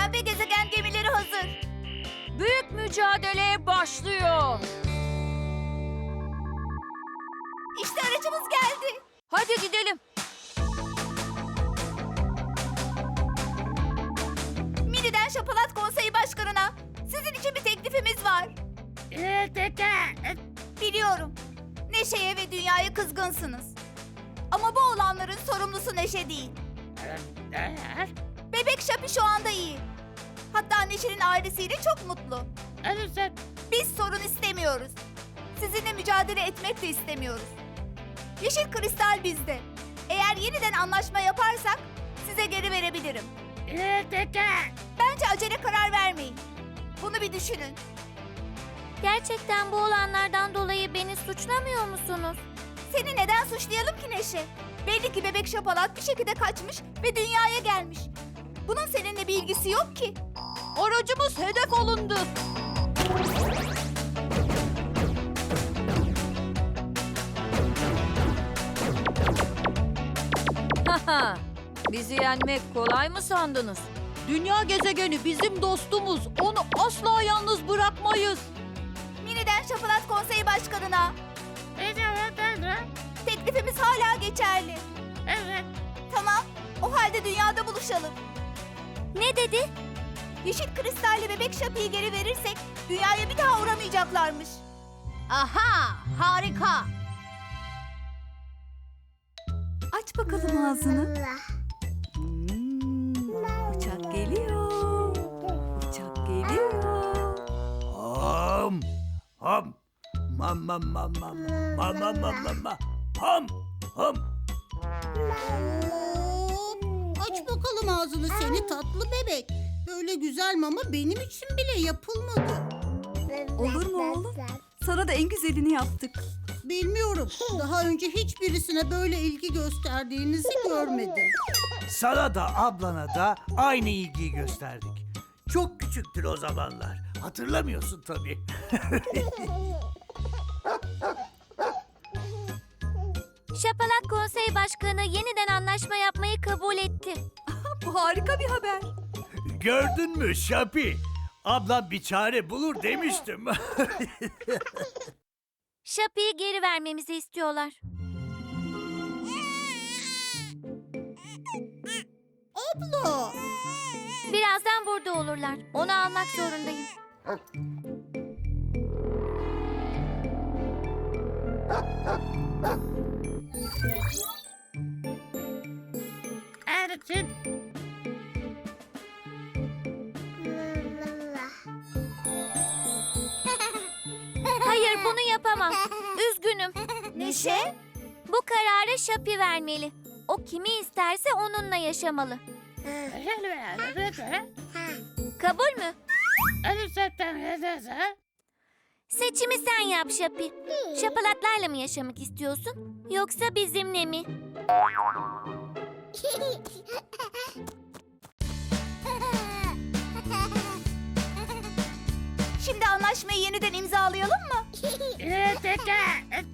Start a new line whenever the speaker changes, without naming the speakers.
Dünya ve gezegen gemileri hazır.
Büyük mücadele başlıyor.
İşte aracımız geldi.
Hadi gidelim.
Mini'den Şapalat Konseyi Başkanı'na sizin için bir teklifimiz var. Biliyorum. Neşe'ye ve Dünya'ya kızgınsınız. Ama bu olanların sorumlusu Neşe değil. Bebek Şapi şu anda iyi. Hatta Neşe'nin ailesiyle çok mutlu. Biz sorun istemiyoruz. Sizinle mücadele etmek de istemiyoruz. Yeşil kristal bizde. Eğer yeniden anlaşma yaparsak size geri verebilirim. Bence acele karar vermeyin. Bunu bir düşünün.
Gerçekten bu olanlardan dolayı beni suçlamıyor musunuz?
Seni neden suçlayalım ki Neşe? Belli ki bebek Şapalat bir şekilde kaçmış ve dünyaya gelmiş. Bunun seninle bir ilgisi yok ki.
Aracımız hedef alındı. Haha, bizi yenmek kolay mı sandınız? Dünya gezegeni bizim dostumuz. Onu asla yalnız bırakmayız.
Mini'den Şapalat Konseyi Başkanı'na. Teklifimiz hala geçerli.
Evet.
Tamam, o halde dünyada buluşalım.
Ne dedi?
Yeşil kristalle bebek Şapi'yi geri verirsek dünyaya bir daha uğramayacaklarmış.
Aha, harika.
Aç bakalım ağzını. Uçak geliyor. Uçak geliyor.
Ham, ham, mam mam mam mam, mam mam mam mam mam, ham, ham.
Aç bakalım ağzını seni tatlı bebek. Böyle güzel mama benim için bile yapılmadı.
Olur mu oğlum? Sana da en güzelini yaptık.
Bilmiyorum. Daha önce hiçbirisine böyle ilgi gösterdiğinizi görmedim.
Sana da ablana da aynı ilgiyi gösterdik. Çok küçüktür o zamanlar. Hatırlamıyorsun tabii.
Şapalat Konseyi Başkanı yeniden anlaşma yapmayı kabul etti.
Bu harika bir haber.
Gördün mü Şapi? Ablam bir çare bulur demiştim.
Şapi'yi geri vermemizi istiyorlar.
Abla.
Birazdan burada olurlar. Onu almak zorundayım. Hayır, bunu yapamam. Üzgünüm.
Neşe?
Bu kararı Şapi vermeli. O kimi isterse onunla yaşamalı. Kabul mü? Seçimi sen yap Şapi. Şapalatlarla mı yaşamak istiyorsun? Yoksa bizimle mi?
Şimdi anlaşmayı yeniden imzalayalım mı?